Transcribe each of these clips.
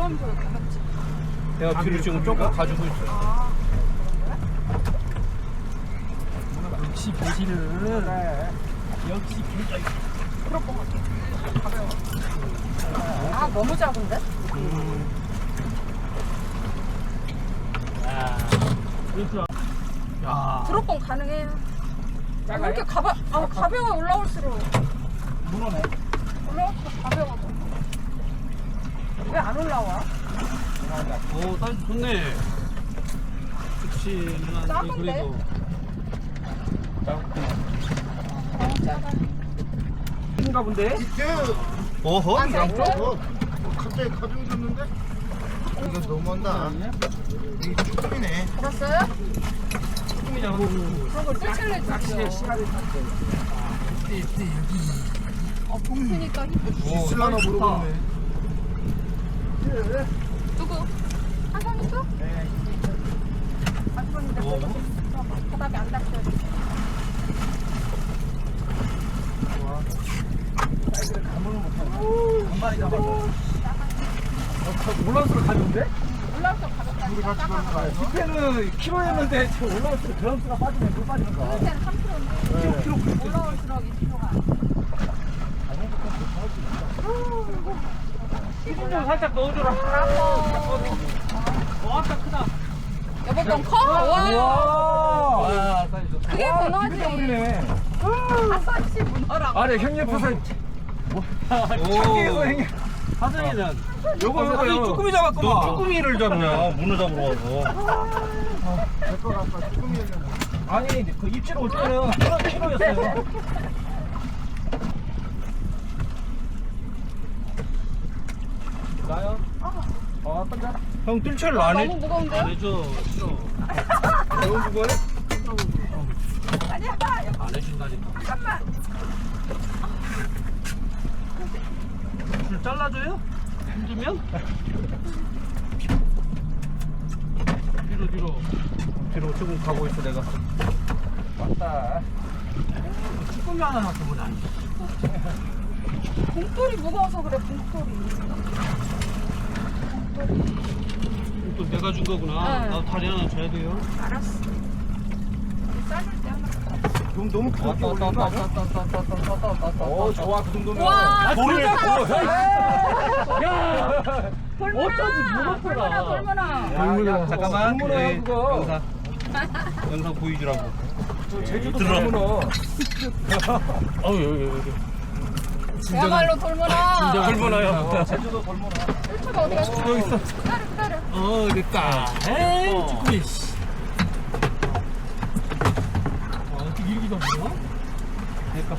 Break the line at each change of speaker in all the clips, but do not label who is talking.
그만보다 가볍지.
내가 뒤로 지금 조금 가지고 있어.
아,
역시 배신은.
그래.
역시 배신.
그럴 것 같아. 가벼워. 아, 너무 작은데?
야. 그렇죠. 야.
드롭봉 가능해요. 왜 이렇게 가벼워 올라올수록.
문어네.
올라올수록 가벼워져. 왜 안 올라와?
오, 딸 좋네. 그치, 누나.
작은데?
그래도.
작아.
큰가 본데?
어허?
아, 사이즈?
갑자기 가져오셨는데? 이거 너무한다. 이게 쭈꾸미네.
알았어요?
조금이잖아.
그런 걸 뜰칠래 주죠.
씨알을 탔대.
봉투니까 힘.
있을라나 모르겠네.
누구? 한번 있어?
네.
한번인데 바닥에 안 닿게.
사이즈를 감으면 못하네. 한 마리 잡았어. 올라올수록 가져온대?
올라올수록 가볍다니까. 작아.
집회는 키로였는데 지금 올라올수록 그람수가 빠지네. 물 빠지는 거.
그때는 3kg인데.
키로
올라올수록 2kg가.
기름 좀 살짝 넣어줘라. 와, 아까 크다.
여보 좀 커? 와.
와, 사이즈 좋다.
그게 문어지.
우리네.
아싸씨 문어라고.
아래 형님 옆에서
오.
형님.
사장이는.
요거 쭈꾸미 잡았구만.
너 쭈꾸미를 잡냐? 문어 잡으러 와서.
내거 아까 쭈꾸미였는데.
아니 그 입질 올 때는 키로였어요. 나요? 던져.
형 뜰채를 안 해.
너무 무거운데요?
안 해줘. 싫어.
너무 무거워요?
아니야.
안 해준다니까.
잠깐만.
줄 잘라줘요? 힘들면? 뒤로. 뒤로 조금 가고 있어, 내가.
맞다.
쭈꾸미 하나 놔두면 안 돼.
봉돌이 무거워서 그래. 봉돌이.
또 내가 준 거구나.
네.
나도 다리 하나 줘야 돼요.
알았어. 삶을 때 하나.
너무 크게 올리는 거 아니야? 오 좋아 그 정도면.
와,
돌을
야.
어쩐지
돌문어 돌문어.
야,
잠깐만.
돌문어야,
네,
그거.
영상 보여주라고.
제주도
들어.
돌문어.
여기.
그야말로 돌문어.
돌문어요.
제주도 돌문어.
1초가 어디 갔어?
여기 있어.
기다려.
됐다. 에이, 쭈꾸미. 어떻게 이렇게 잡냐? 그러니까.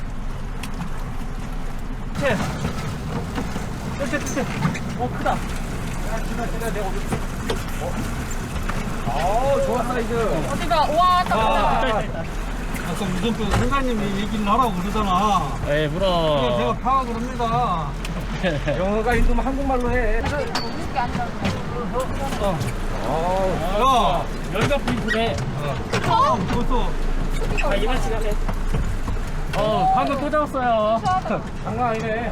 뜰채. 크다. 야, 내가 어디 좋아 사이즈.
어디가? 와, 딱
아까 무전표 선생님이 얘기를 하라고 그러잖아.
에이 물어.
제가 파악을 합니다.
영어가 힘들면 한국말로 해.
먹는 게 아니라.
야,
연가 포인트네.
벌써.
크기가
이만 시간에. 방금 또 잡았어요.
장난 아니네.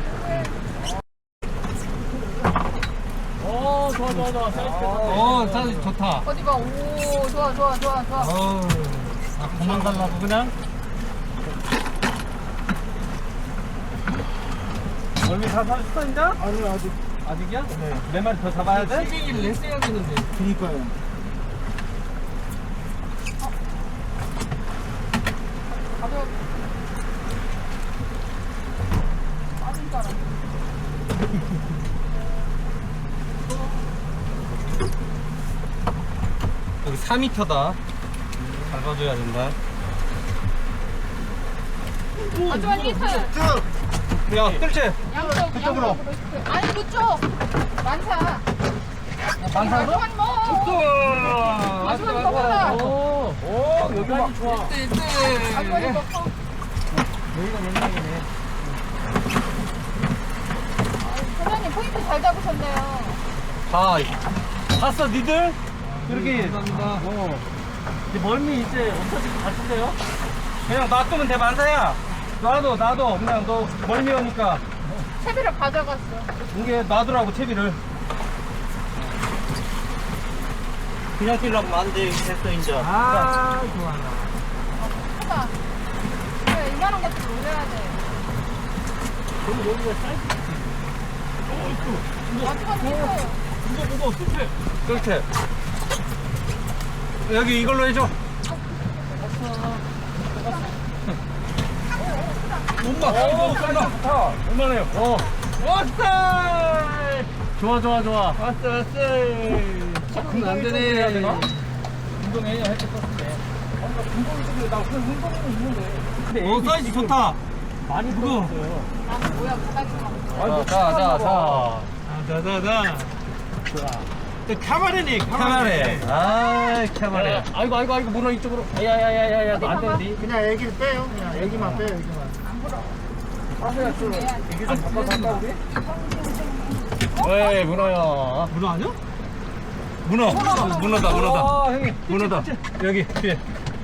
좋아. 사이즈
사이즈 좋다.
어디가? 오, 좋아.
그만 달라고 그냥?
멀미 다 잡았어 이제?
아니, 아직.
아직이야? 네. 몇 마리 더 잡아야 돼?
시계기를 했어야겠는데.
그니까요.
가벼워. 빠진 줄 알았네.
여기 4m다. 잘 봐줘야 된다.
아주한 히트.
야, 뜰채.
양쪽으로. 아니, 그쪽. 많다.
많다고?
아주한 뭐. 아주한 거 봐라.
오, 여기 막 좋아.
아주한 거 커.
여기가 몇 명이네.
사장님 포인트 잘 잡으셨네요.
봤어, 니들? 이렇게.
감사합니다.
이제 멀미 이제 없어질 것 같은데요? 그냥 놔두면 돼, 만사야. 놔둬. 그냥 너 멀미 오니까.
채비를 가져갔어.
이게 놔두라고, 채비를. 그냥 뛰려면 안 돼. 됐어, 이제.
아, 좋아.
크다. 그래, 이만한 것도 올려야 돼.
그럼 여기가 사이즈.
마지막에 있어요.
무거워, 숲에.
그렇게. 여기 이걸로 해줘. 엄마, 엄마. 좋다.
얼마나요?
왔어!
좋아, 좋아, 좋아.
왔어.
그럼 안 되네.
해야 되나?
운동해야 할때 썼는데.
나 그냥 운동은 있는데. 사이즈 좋다.
많이 들어갔어요.
아, 뭐야, 바닥이
자자자.
좋아.
카바레네, 카바레. 아, 카바레.
아이고, 문어 이쪽으로. 야야야야야, 너 안 되는데.
그냥 애기를 빼요. 그냥 애기만 빼요, 애기만.
이게 좀 바꿔서 할까, 우리?
에이, 문어야.
문어 아니야? 문어다.
아, 형님.
문어다. 여기 뒤에.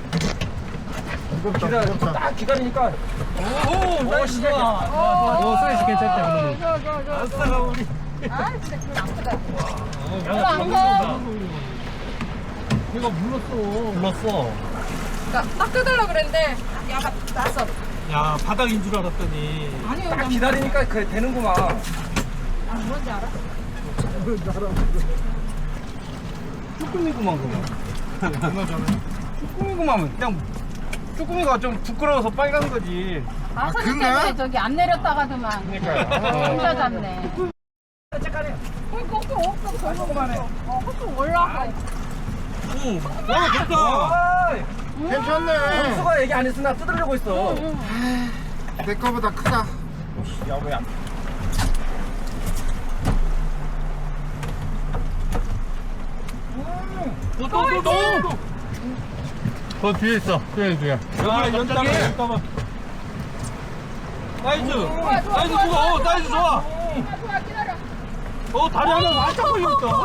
무겁다.
딱 기다리니까. 오, 사이즈 좋아. 오, 사이즈 괜찮다, 문어. 아싸가 우리.
아, 진짜 그거 나쁘다.
야,
안 가.
얘가 물렀어.
그러니까 딱 뜯으려고 그랬는데, 야가 났어.
야, 바닥인 줄 알았더니.
아니요,
딱
그냥
기다리니까 그래 되는구만.
아, 뭔지 알아?
쭈꾸미구만 그거. 쭈꾸미구만 그냥 쭈꾸미가 좀 부끄러워서 빨간 거지.
아, 사진
그런가?
때문에 저기 안 내렸다가더만. 혼자 잡네.
잠깐만.
거꾸로 없어, 결국만 해. 거꾸로 올라가.
오, 와 좋다.
괜찮네.
수가 얘기 안 했으나 나 뜯으려고 했어.
내 거보다 크다.
야 뭐야? 또. 그 뒤에 있어. 뒤에. 야 연장해. 잠깐만. 사이즈. 사이즈 좋아. 사이즈 좋아.
좋아, 기다려.
다리 하나 완전 걸렸다.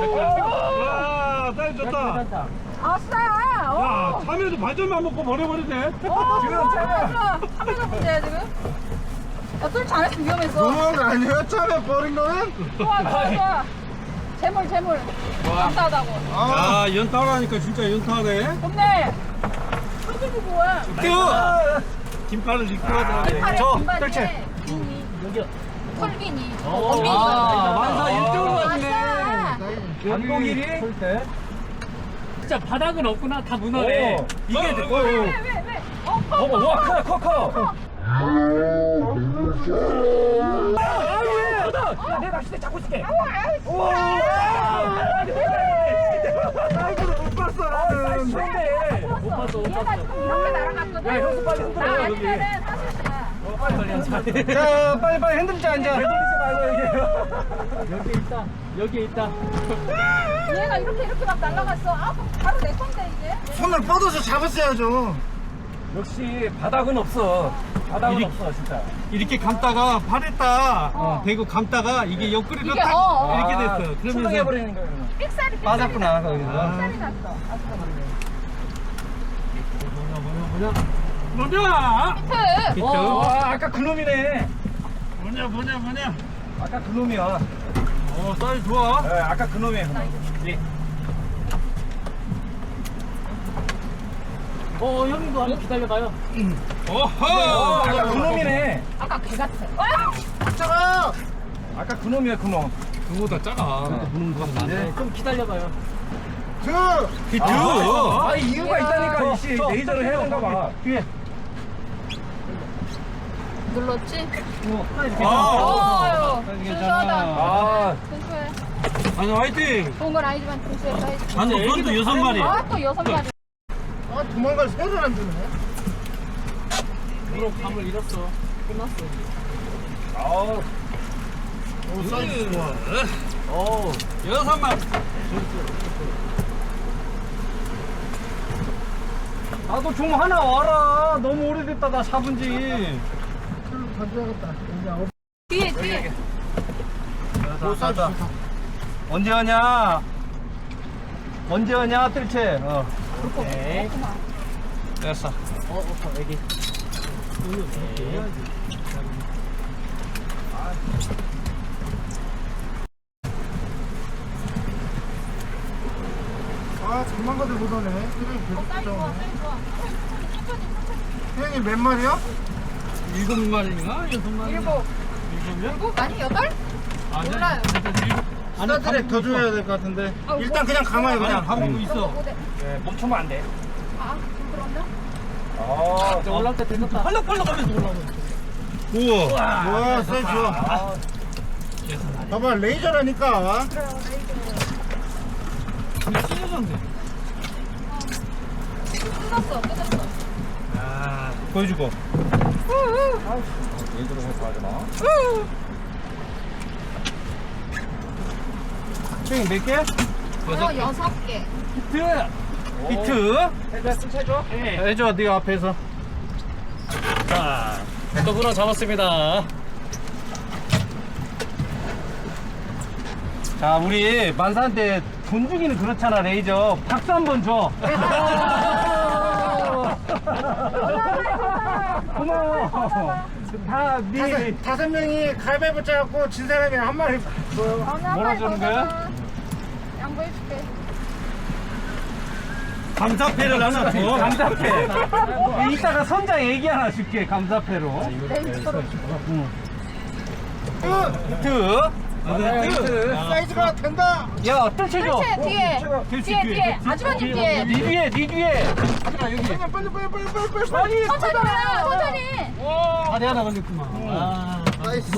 와, 사이즈 좋다.
아싸!
야, 참외도 반절만 먹고 버려버리네.
참외가 문제야, 지금? 야, 술 잘했으면 위험했어.
너무한 거 아니에요? 참에 버린 거는?
좋아. 재물. 감사하다고.
아,
야, 연타하니까 진짜 연타하네.
근데, 소주고 뭐야?
뛰어! 김파를 입고 하더라.
팔에
저,
금반에
그렇지.
비니,
여기요.
털비니,
아,
원빈이.
만사 1등으로 왔네.
아싸!
연봉일이?
진짜 바닥은 없구나. 다 문어네.
이게
왜?
와, 커. 내 낚싯대 잡고 있을게. 사이즈를 못 봤어, 나는.
못 봤어.
얘가 지금 이렇게 날아갔거든?
야, 형수 빨리 흔들어,
나
여기.
아니면은 사실이야.
자, 빨리 흔들자, 이제.
돌리지 말고 여기에 있다.
얘가 이렇게 막 날아갔어. 아, 바로 내 건데, 이제.
손을 뻗어서 잡았어야죠.
역시 바닥은 없어. 바닥은 없어, 진짜. 이렇게 감다가 발에다 대고 감다가 이게 옆구리로
이게,
딱 이렇게 됐어. 그러면서
출렁해버리는 거예요.
삑살이
빠졌구나, 거기서.
삑살이 났어.
뭐냐?
히트!
아까 그놈이네. 뭐냐? 아까 그놈이야. 사이즈 좋아. 네, 아까 그놈이에요. 예.
형님도 한번 기다려봐요.
어허! 아까 그놈이네.
아까 개 같아.
작아!
아까 그놈이야, 그놈. 그거보다 작아. 그놈 같은데.
좀 기다려봐요.
비트! 아, 이유가 있다니까, 이씨. 레이저를 해야 되는가 봐. 뒤에.
눌렀지?
아,
순수하다.
아,
순수해.
아니, 화이팅!
좋은 건 아니지만 순수해.
아니, 그것도 6마리.
아, 또 6마리.
아, 도망갈 새를 안 주네.
물어 감을 잃었어. 끝났어.
아우,
사이즈 좋아.
6마리. 나도 좀 하나 와라. 너무 오래됐다, 나 잡은 지.
가져야겠다.
뒤에.
가자. 언제 하냐, 뜰채.
오케이.
됐어.
여기.
아, 도망가들 못하네. 그래, 계속
사이즈 좋아,
쫓아오네.
사이즈 좋아. 천천히.
형님 몇 마리야?
7마리인가? 6마리?
일곱. 일곱? 아니, 여덟? 몰라요.
스타트랙 더 줘야 될 것 같은데.
아,
일단 그냥 감아요, 그냥.
가보고 있어.
네.
멈추면 안 돼.
아, 좀 그런가?
이제 올라올 때 됐었다.
빨라 가면서 올라오고.
우와. 와, 사이즈 좋아. 봐봐, 레이저라니까.
찢어졌네.
끝났어, 끝났어.
아, 보여주고.
얘들로 해서 하지 마.
총 몇 개?
여섯 개.
히트! 히트!
해줘, 해줘.
해줘, 네가 앞에서.
자, 백도구나 잡았습니다.
자, 우리 만사한테 돈 주기는 그렇잖아, 레이저. 박수 한번 줘. 고마워. 다, 네.
다섯 명이 가위바위보 짜갖고 진 사람이 한 마리 줘요.
뭐라 주는 거야?
양보해줄게.
감사패를 하나 줘. 감사패. 이따가 선장 얘기 하나 줄게, 감사패로. 히트. 히트.
사이즈가 된다.
야, 뜰채줘.
뜰채, 뒤에. 뒤에. 아주머님 뒤에.
니 뒤에, 니 뒤에.
형님 빨리.
천천히 해요, 천천히.
다리 하나 걸렸구만. 아,
나이스.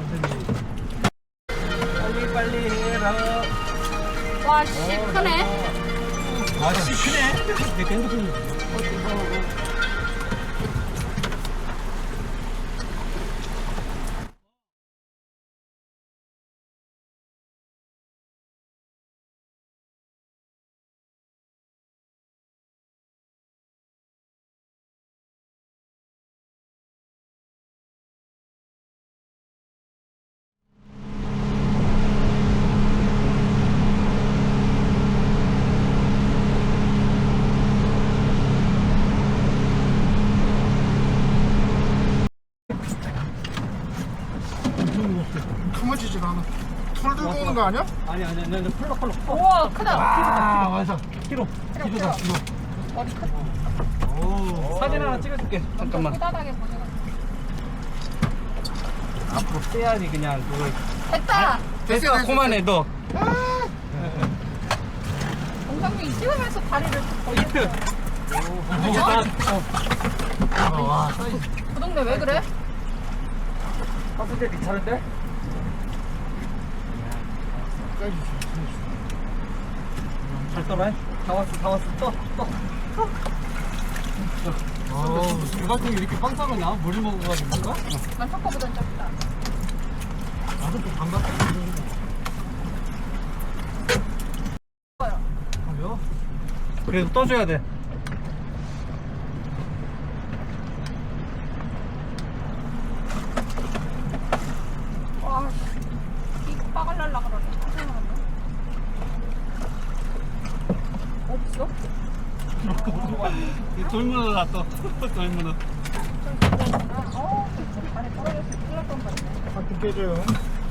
빨리 해라.
와, 씨, 크네.
아, 크네. 내 핸드폰이.
가만지지가 않아. 털 들고 오는 거 아니야?
아니, 펄럭.
우와, 크다.
아, 완성. 키로. 키로다, 키로.
머리 크다.
오. 사진 하나 찍어줄게. 잠깐만.
후다닥에 보내가.
앞으로 빼야지, 그냥 그걸.
됐다.
됐어, 그만해, 너.
동상이 찍으면서 다리를
히트.
그 동네 왜 그래?
봤을 때 괜찮은데?
잘 떠라.
다 왔어. 떠.
무슨 물갈통이 이렇게 빵빵하냐? 물을 먹어가지고 그런가?
난 첫거보단 작다.
나도 또 반갑다. 왜요? 그래도 떠줘야 돼.
와, 씨. 이 빠갈 날라 그러네. 없어?
돌문어 났어. 돌문어.
안에 떨어져서 큰일 날 뻔.
가끔 깨져요.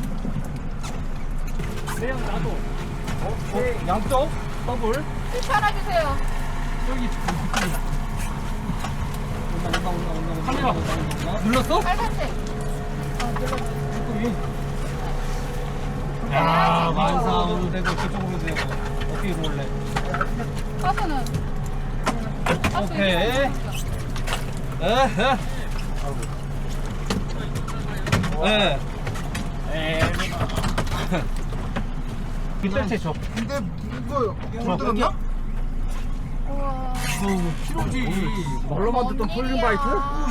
내형 나도. 양쪽 더블.
스위치 하나 주세요.
여기 카메라 눌렀어?
빨간색.
야, 만사으로 되고 저쪽으로 되고 어떻게 올래?
가스는?
오케이. 빗달채 줘.
근데 이거 물 들었나?
우와.
키로지.
뭘로만 듣던 폴링바이트?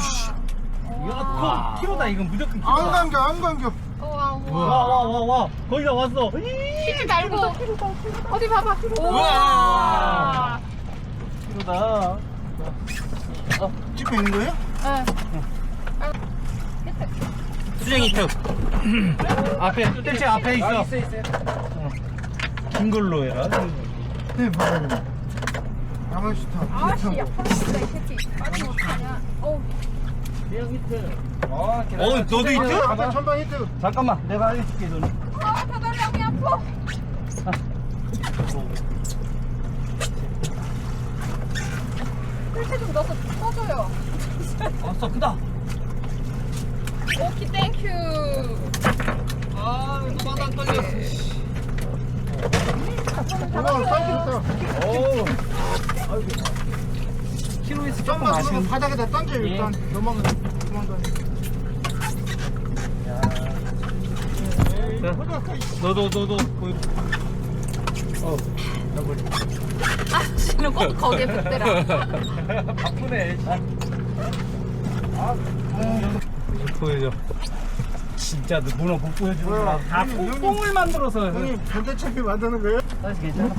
이거 키로다. 이건 무조건
안
키로다.
감겨.
우와, 우와.
와. 거의 다 왔어.
치지 말고. 어디 봐봐.
우와.
우와.
키로다.
집에 있는 거예요?
네.
수정 히트. 앞에 뜰채 앞에 있어. 긴 걸로 해라.
네, 봐봐요. 야만시타.
아씨, 약간 진짜 이 새끼. 빠지면 어떡하냐. 어우.
너도 히트?
아까 천방 히트.
잠깐만, 내가 해줄게 너는.
아, 다달라고 아파.
왔어. 크다.
오키 땡큐.
아, 이거 바닥 걸렸어.
이거 던지겠다.
어우. 키로에서 조금
좀만
아쉬운.
주면 바닥에다 던져 일단. 넘어가. 도망가.
너도.
아, 씨는 꼭 거기에 붙더라.
바쁘네. 보여줘. 진짜 너 문어 못 보여주는구나.
뭐야?
다
형님,
뽕을 만들어서.
형님 반대차기 만드는 거예요?
사이즈 괜찮아?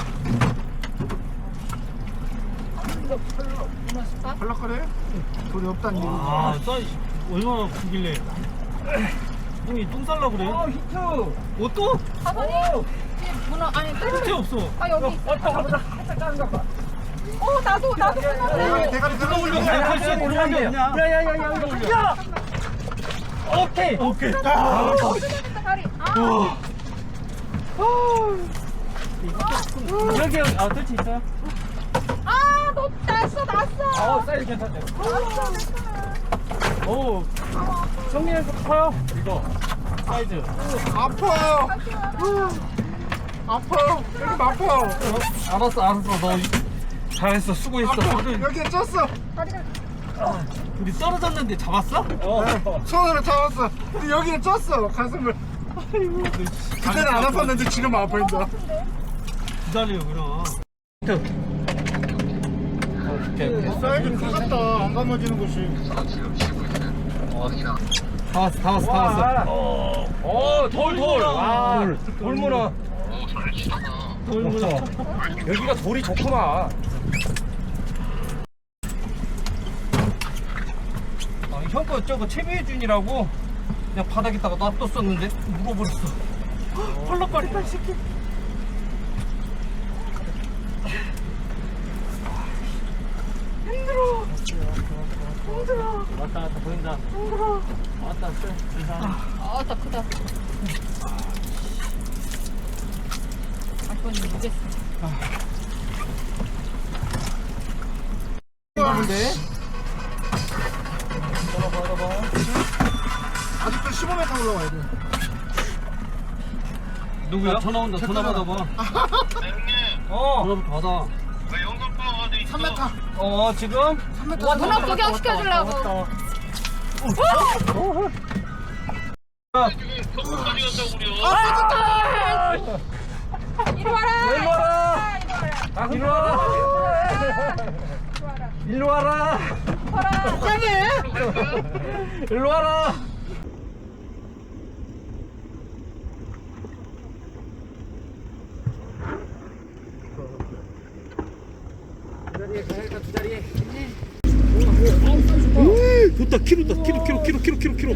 발락거려요? 돌이 없다는 얘기지.
아, 사이즈 얼마나 크길래. 형이 똥 살라 그래? 아, 히트. 뭐 또?
사선이 이 문어 아니
히트
뜰.
없어.
아 여기 있어.
가보자. 살짝 작은 거 봐.
나도
대가리 대가리
들어 올려.
대가리.
할수 있는 게 없냐? 야야야야. 오케이.
다리.
여기 뜰치 있어요?
너 났어.
사이즈 괜찮대.
났어.
오, 성민이도 커요? 이거 사이즈.
아파요. 아파요. 여기 아파요.
알았어. 너 잘했어. 수고했어.
아파. 여기에 쪘어.
우리 떨어졌는데 잡았어?
네, 손으로 잡았어. 근데 여기에 쪘어. 가슴을. 그때는 안 아팠는데 지금 아파 이제.
기다려 그럼.
사이즈 크겠다. 안 감아지는 곳이.
다 왔어. 돌. 아, 돌문어. 돌문어. 여기가 돌이 좋구나. 형 거 저거 최미준이라고 그냥 바닥에다가 놔뒀었는데 묵어버렸어. 펄럭거린다 이 새끼.
왔다 보인다. 왔다
나 크다. 그건 모르겠어.
근데
아직도 15m 올라와야 돼.
누구야? 전화 온다. 전화 받아봐. 전화 받아.
3m.
지금?
3m.
문어 구경 시켜주려고. 이리 와라.
이리 와라. 일로 와라. 일로 와라. 좋다. 키로다. 키로.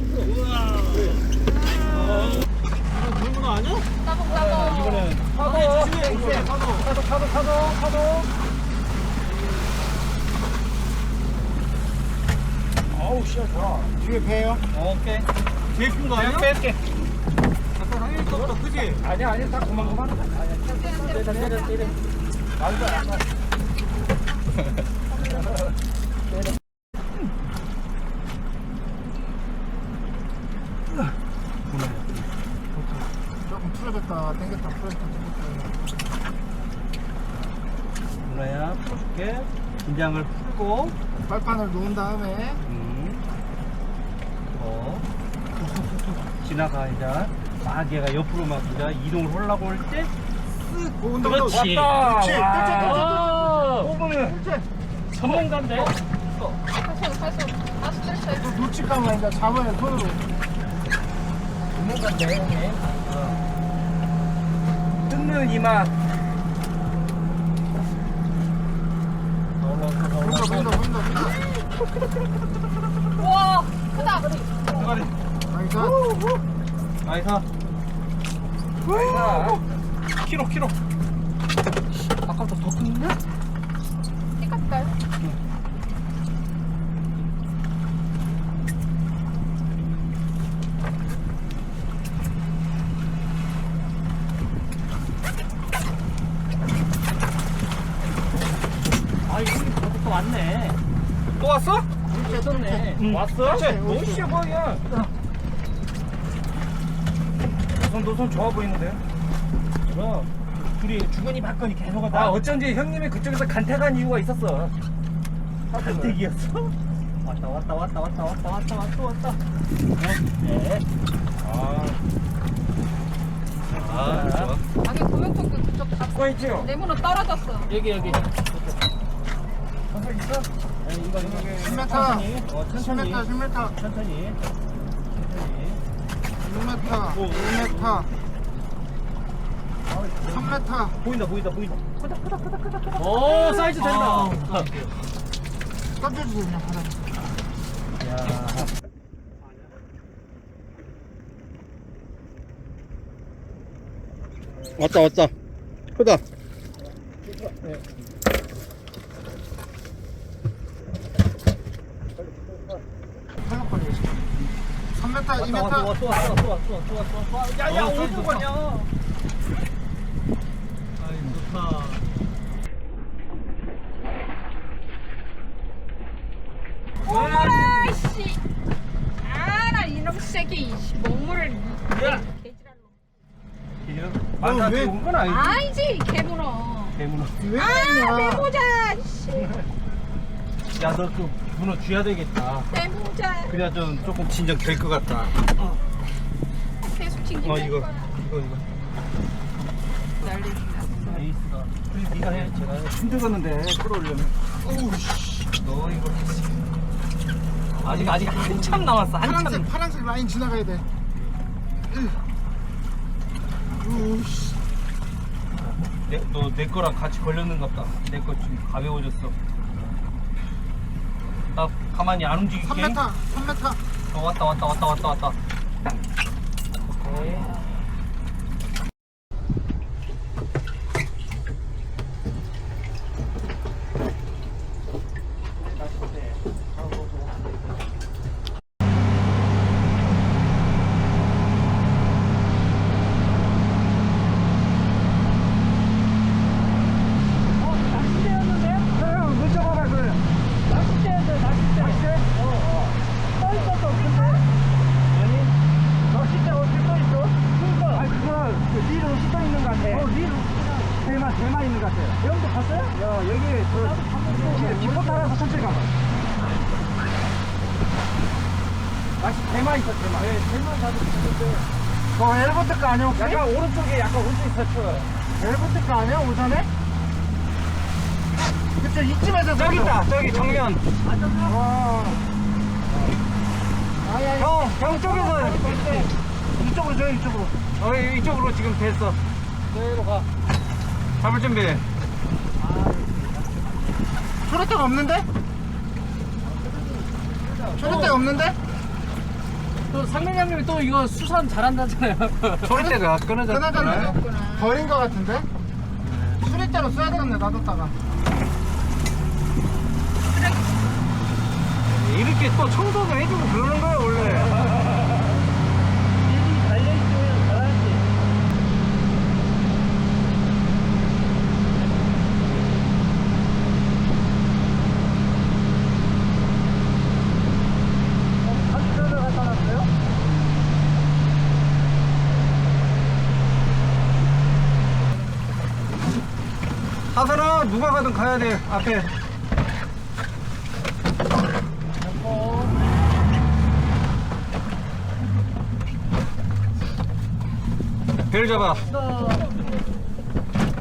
물문어 아니야?
따봉.
이거는 파도. 아우 씨야 좋아.
뒤에 배요.
오케이. 제일 큰 거 아니야? 뺄게. 아까 상현이 거보다 크지? 아니야. 딱 그만. 때려. 맞아.
조금 풀어졌다. 당겼다. 풀어졌다. 당겼다.
누나야 풀어줄게. 긴장을 풀고.
발판을 놓은 다음에
지나가 이제 막 얘가 옆으로 막 이제 이동을 하려고 할 때
쓱 온다.
그렇지.
그렇지.
뽑으면
전문가인데.
다시 뜰
놓칠까봐 이제 잡아야 손으로.
뜯는 이맛.
보인다.
와, 크다.
대가리.
나이스.
나이스. 키로. 아까부터 더 큰데?
띠까띠까요?
아 이거 또 왔네.
또 왔어?
쳤네.
왔어? 너무 쉬워 보이야. 노선 좋아 보이는데요? 그럼 둘이 주거니 받거니 계속 하다. 어쩐지 형님이 그쪽에서 간택한 이유가 있었어. 간택이었어? 왔다. 네. 좋아.
아니 도면통도 그쪽 다
수고 있지요?
내 문은 떨어졌어.
여기.
선생 있어?
네, 이거.
10m.
천천히.
10m, 10m.
천천히.
6m, 5m, 3m.
보인다.
오, 사이즈 된다.
던져주세요, 그냥 바닥에.
왔다. 크다.
탈락거리고 있어. 3m, 2m.
야야 어디로 가냐?
오라 씨. 아나 이놈 새끼 먹물을
맞아.
왜?
그건 아니지.
아니지 개문어.
대문어.
왜
아
그러냐.
대모자 씨.
야 너 그 문어 쥐야 되겠다.
대모자.
그래야 좀 조금 진정 될 것 같다.
계속 징징.
이거.
난리다.
에이스가. 그래 네가 해. 제가 힘들었는데 끌어올려면. 어우 씨. 너 이거 아직 한참 남았어.
파란색 라인 지나가야 돼. 우씨.
너 내 거랑 같이 걸렸는가 보다. 내 거 좀 가벼워졌어. 나 가만히 안 움직일게.
3m.
왔다. 오케이.
대만 있는 것 같아요. 여기도 봤어요? 여기 뒷포 따라서 천천히 가봐.
대만 있어, 대만. 네, 대만 가도 있는데.
저 엘보트 거 아니야 혹시?
약간 오른쪽에 서쳐.
엘보트 거 아니야 오전에? 그쵸 이쯤에서
저기 있다, 저기 정면.
와.
형 쪽에서.
이쪽으로 줘요 이쪽으로.
이쪽으로 지금 됐어.
여기로 가.
잡을 준비.
초록대가 없는데? 초록대가 없는데?
또 상민 형님이 또 이거 수산 잘한다잖아요.
소리대가 끊어졌네.
끊어졌네. 버린 것 같은데? 수리대로 써야 되겠네 놔뒀다가.
이렇게 또 청소도 해주고 그러는 거야, 원래. 하선아, 누가 가든 가야 돼, 앞에. 벨 잡아.